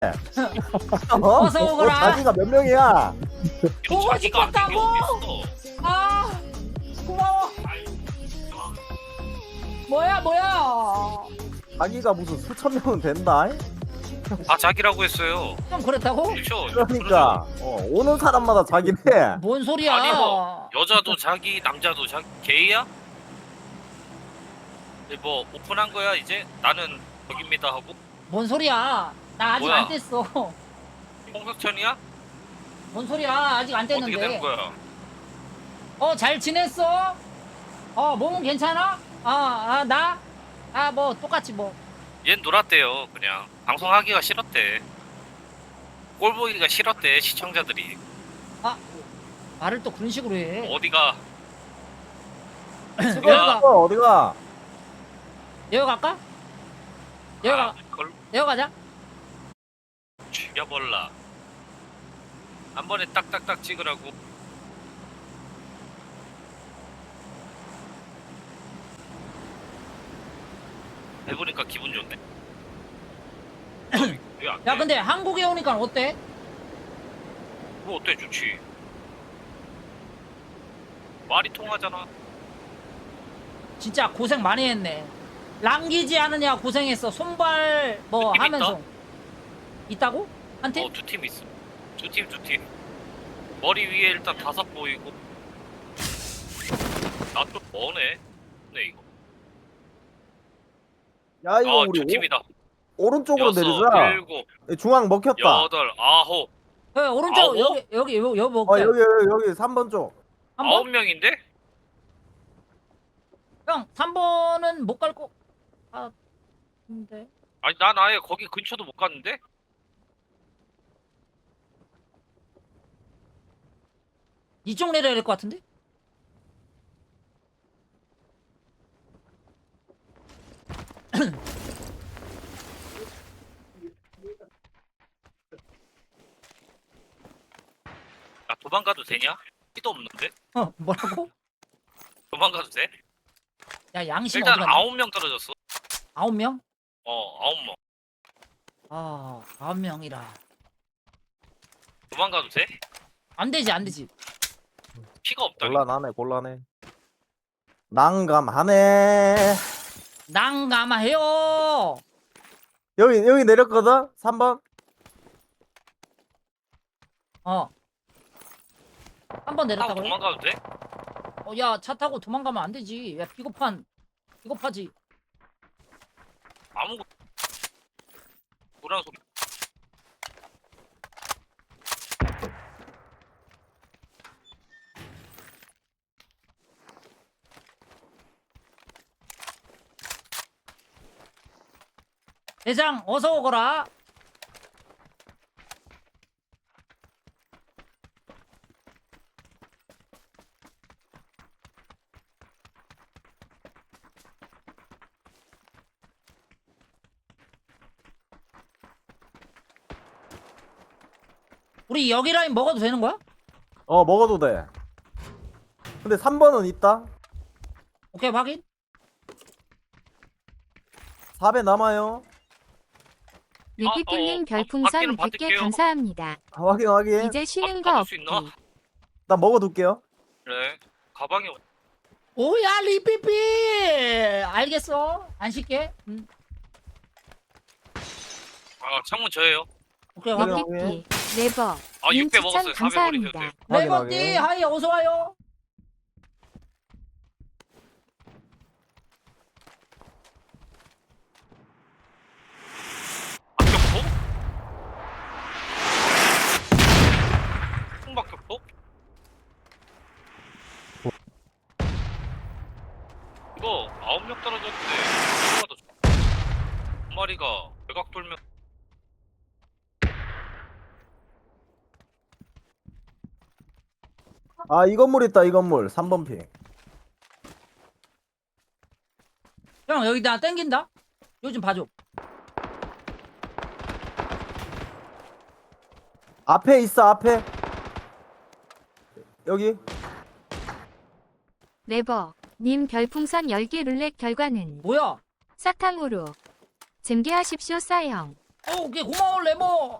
어서 오거라. 자기가 몇 명이야? 보고 자기가 안 싶었다고. 어딨어? 아, 고마워. 뭐야? 자기가 무슨 수천 명은 된다? 다 자기라고 했어요. 좀 그렇다고? 그렇죠. 그러니까 오는 사람마다 자기네. 뭔 소리야? 아니 뭐 여자도 자기, 남자도 자기, 게이야? 뭐 오픈한 거야 이제? 나는 저깁니다 하고 뭔 소리야? 나 아직 뭐야? 안 뗐어. 홍석천이야? 뭔 소리야? 아직 안 어떻게 되는 뗐는데. 거야? 잘 지냈어? 몸은 괜찮아? 나? 뭐 똑같이 뭐. 얜 놀았대요. 그냥 방송하기가 싫었대. 꼴 보기가 싫었대 시청자들이. 말을 또 그런 식으로 해. 어디가? 여기가 어디가? 여기 갈까? 여기 그걸 여기 가자. 죽여볼라. 한 번에 딱딱딱 찍으라고. 해보니까 기분 좋네. 왜안 야 돼? 근데 한국에 오니까 어때? 뭐 어때? 좋지. 말이 통하잖아. 진짜 고생 많이 했네. 랑기지 않으냐 고생했어. 손발 뭐 느낌 하면서. 있다고? 한 팀? 두 팀 있어. 두 팀. 머리 위에 일단 다섯 보이고. 나 좀 머네. 네 이거. 야 이거 우리 두 팀이다. 오른쪽으로 여섯, 내리자. 일곱, 중앙 먹혔다. 여덟, 아홉. 오른쪽 아홉? 여기 먹자. 여기 3번 쪽. 한 아홉 번? 명인데? 형 3번은 못 갈 거. 근데 아니 난 아예 거기 근처도 못 갔는데? 이쪽 내려야 될 것 같은데? 나 도망가도 되냐? 피도 없는데? 뭐라고? 도망가도 돼? 야 양심 일단 어디 갔냐? 9명 떨어졌어. 9명? 9명. 9명이라. 도망가도 돼? 안 되지. 피가 없다. 곤란해. 난감하네. 난감해요. 여기 내렸거든? 3번. 한 번 타고 내렸다고요? 도망가도 돼? 야 차 타고 도망가면 안 되지. 야 비겁하지. 아무것도 노란 소리. 대장 어서 오거라. 우리 여기 라인 먹어도 되는 거야? 먹어도 돼. 근데 3번은 있다. 오케이 확인. 4배 남아요. 리피플님 별풍선 받기는 100개 받을게요. 감사합니다. 확인. 이제 쉬는 거 받을 없기. 수 있나? 나 먹어둘게요. 그래. 가방에 오야 리피피. 알겠어. 안 쉴게. 창문 저예요. 오케이 확인. 리피피 네버 님 6배 먹었어요. 추천 400 버리셔도 감사합니다. 돼요. 레버띠 하이 어서 와요. 박격포? 총박격포? 이거 9명 떨어졌는데 누가 더 좋아? 한 마리가 외곽 돌면 이 건물 있다. 이 건물 3번 핑. 형 여기 나 땡긴다. 요즘 봐줘. 앞에 있어. 앞에. 여기. 네버 님 별풍선 10개 룰렛 결과는 뭐야? 사탕으로 잼게하십시오 싸형. 오케이 고마워 레버.